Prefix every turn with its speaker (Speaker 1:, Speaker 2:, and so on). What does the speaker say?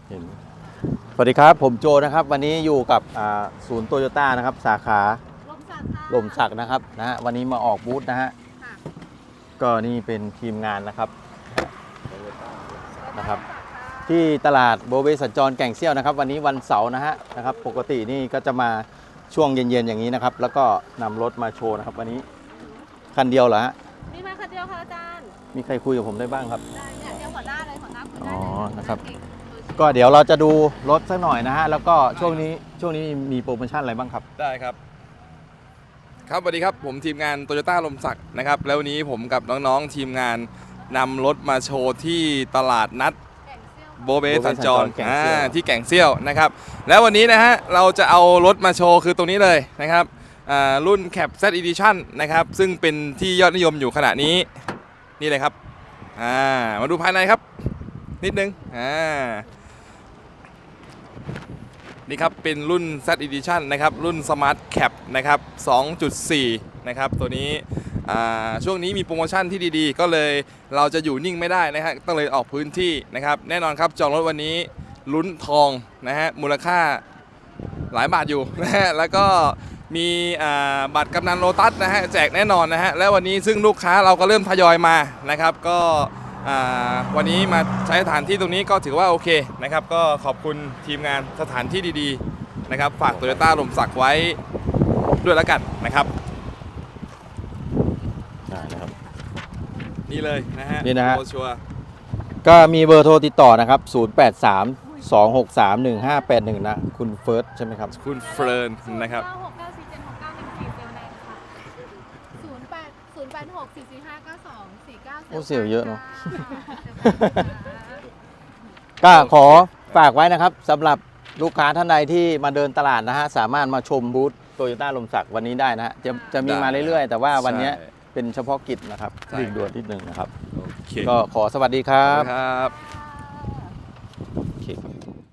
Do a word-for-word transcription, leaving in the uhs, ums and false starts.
Speaker 1: เห็นสวัสดีครับผมโจนะครับวันนี้อยู่กับศูนย์โตโยต้านะครับสาขา
Speaker 2: ลมสักค่ะ
Speaker 1: ลมสักนะครับนะฮะวันนี้มาออกบูธนะฮะก็นี่เป็นทีมงานนะครับนะครับที่ตลาดโบเบสัญจรแก่งเซี่ยวนะครับวันนี้วันเสาร์นะฮะนะครับปกตินี่ก็จะมาช่วงเย็นๆอย่างนี้นะครับแล้วก็นำรถมาโชว์นะครับวันนี้คันเดียวเหรอฮะ
Speaker 2: มีมาคันเดียวค่ะอาจารย์
Speaker 1: มีใครคุยกับผมได้บ้างครับ
Speaker 2: ได้เนี่ยเดียวหัวหน้าเลยหัวหน้าคุย
Speaker 1: อ๋
Speaker 2: ได้
Speaker 1: อ
Speaker 2: เลย
Speaker 1: นะครับก็เดี๋ยวเราจะดูรถสักหน่อยนะฮะแล้วก็ช่วงนี้ช่วงนี้มีโปรโมชั่นอะไรบ้างครับ
Speaker 3: ได้ครับครับสวัสดีครับผมทีมงานโตโยต้าลมสักนะครับแล้ววันนี้ผมกับน้องๆทีมงานนำรถมาโชว์ที่ตลาดนัดโบเบสัญจรที่แก่งเซี่ยวนะครับแล้ววันนี้นะฮะเราจะเอารถมาโชว์คือตรงนี้เลยนะครับรุ่น Cab Z Edition นะครับซึ่งเป็นที่ยอดนิยมอยู่ขณะนี้นี่เลยครับมาดูภายในครับนิดนึงนี่ครับเป็นรุ่น Z Edition นะครับรุ่น Smart Cab นะครับ สองจุดสี่ นะครับตัวนี้ช่วงนี้มีโปรโมชั่นที่ดีๆก็เลยเราจะอยู่นิ่งไม่ได้นะฮะต้องเลยออกพื้นที่นะครับแน่นอนครับจองรถวันนี้ลุ้นทองนะฮะมูลค่าหลายบาทอยู่นะฮะแล้วก็มีบัตรกำนันโลตัสนะฮะแจกแน่นอนนะฮะและวันนี้ซึ่งลูกค้าเราก็เริ่มทยอยมานะครับก็วันนี้มาใช้สถานที่ตรงนี้ก็ถือว่าโอเคนะครับก็ขอบคุณทีมงานสถานที่ดีๆนะครับฝากโตโยต้าลมสักไว้ด้วยแล้วกันนะครับ
Speaker 1: ได้นะครับ
Speaker 3: นี่เลยนะฮะ
Speaker 1: นี่นะฮะ
Speaker 3: ชัวร์
Speaker 1: ก็มีเบอร์โทรติดต่อนะครับศูนย์ แปด สาม สอง หก สาม หนึ่ง ห้า แปด หนึ่งนะคุณเฟิร์สใช่ไหมครับ
Speaker 3: คุณเฟิร์นนะครับ
Speaker 2: ศูนย์ เก้า หก เก้า สี่ เจ็ด หก เก้า หนึ่ง สี่ เซลล์แรงค่ะศูนย์ แปด ศูนย์ แปด หก สี่ สี่ ห้า เก้า สอง สี่ เก้า
Speaker 1: โอ้เสียวเยอะเนาะก็ขอฝากไว้นะครับสำหรับลูกค้าท่านใดที่มาเดินตลาดนะฮะสามารถมาชมบูธโตโยต้าลมสักวันนี้ได้นะฮะจะจะมีมาเรื่อยๆแต่ว่าวันนี้เป็นเฉพาะกิจนะครับรีบด่วนนิดนึงนะครับก็ขอสวัสดีครับ
Speaker 3: ครับ
Speaker 1: โอเคครับ